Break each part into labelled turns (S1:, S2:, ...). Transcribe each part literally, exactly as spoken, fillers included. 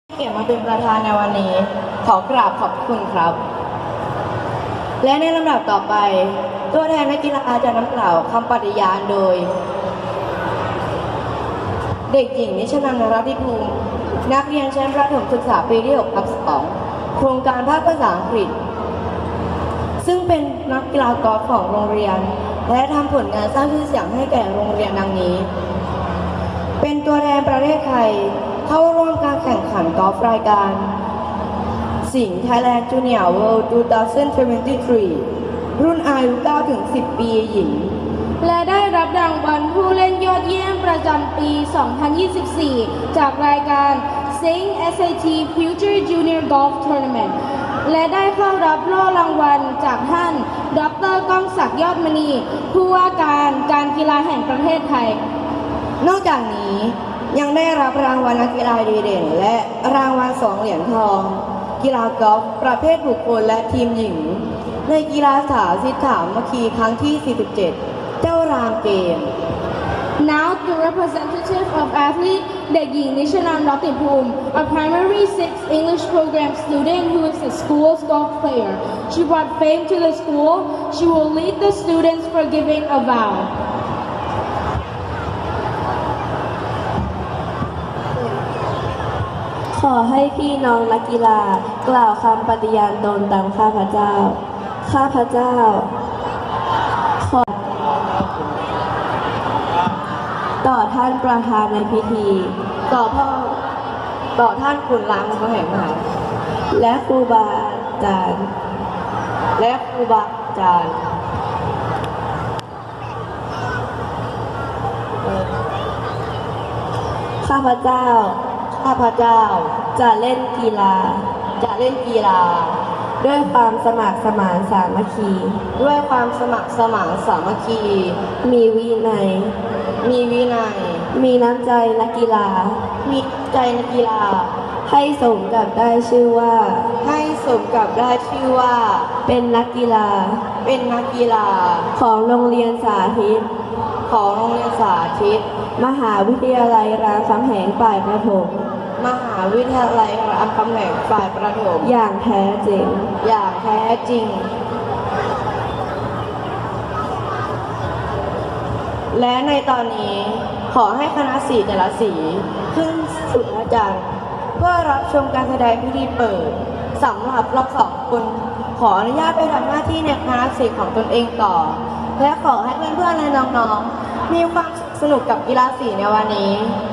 S1: เกียรติมาเป็นประธานในวันนี้ขอกราบขอบคุณครับและในลำดับต่อไปตัวแทนนักกีฬาจะนำกล่าวคำปฏิญาณโดยเด็กหญิงนิชนันท์ นรัตติภูมินักเรียนชั้นประถมศึกษาปีที่หกทับสองโครงการภาคภาษาอังกฤษซึ่งเป็นนักกีฬากอล์ฟของโรงเรียนและทำผลงานสร้างชื่อเสียงให้แก่โรงเรียนดังนี้เป็นตัวแทนประเทศไทยเข้าร่วมการแข่งขันกอล์ฟรายการสิงห์ Thailand Junior World สองพันยี่สิบสาม รุ่นอายุ เก้าถึงสิบ ปีหญิง
S2: และได้รับรางวัลผู้เล่นยอดเยี่ยมประจำปี สองพันยี่สิบสี่ จากรายการ Sing เอส เอ ที Future Junior Golf Tournament และได้เข้ารับโล่รางวัลจากท่าน ดร.ก้องศักดิ์ยอดมณี ผู้ว่าการการกีฬาแห่งประเทศไทย
S1: นอกจากนี้ยังได้รับรางวัลนักกีฬาดีเด่นและรางวัลสองเหรียญทองกีฬากอล์ฟประเภทบุคคลและทีมหญิงในกีฬาสาธิตสามัคคีครั้งที่ สี่สิบเจ็ด เจ้ารามเกม
S2: Now the representative of athlete เด็กหญิงนิชนันท์ รัตติภูมิ a primary six English program student who is the school's golf player. She brought fame to the school. She will lead the students for giving a vow.
S3: ขอให้พี่น้องนักกีฬากล่าวคำปฏิญาณตนตามข้าพเจ้า ข้าพเจ้าขอต่อท่านประธานในพิธี
S1: ต่อพ่อต่อท่านขุนรามคำแหงมหา
S3: และครูบาอาจารย์
S1: และครูบาอาจารย์
S3: ข้าพเจ้า
S1: ข้าพเจ้า
S3: จะเล่นกีฬา
S1: จะเล่นกีฬา
S3: ด้วยความสมัครสมานสามัคคี
S1: ด้วยความสมัครสมานสามัคคี
S3: มีวินัย
S1: มีวินัย
S3: มีน้ำใจนักกีฬา
S1: มีใจนักกีฬา
S3: ให้สมกับได้ชื่อว่า
S1: ให้สมกับได้ชื่อว่า
S3: เป็นนักกีฬา
S1: เป็นนักกีฬา
S3: ของโรงเรียนสาธิต
S1: ของโรงเรียนสาธิต
S3: มหาวิทยาลัยรามคำแหงฝ่ายประถม
S1: มหาวิทยาลัยรามคำแหงฝ่ายประถม
S3: อย่างแท้จริง
S1: อย่างแท้จริง และในตอนนี้ขอให้คณะสีแต่ละสีขึ้นสู่อาจารย์เพื่อรับชมการแสดงพิธีเปิดสำหรับเราสองคนขออนุญาตไปทำหน้าที่ในคณะสีของตนเองต่อและขอให้เพื่อนๆและน้องๆมีความสนุกกับกีฬาสีในวันนี้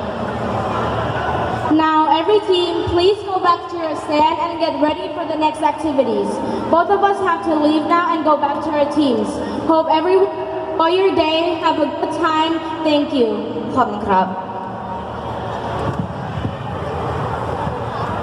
S2: Now every team, please go back to your stand and get ready for the next activities. Both of us have to leave now and go back to our teams. Hope everyone enjoy your day. Have a good time. Thank you.
S1: ขอบคุณครับ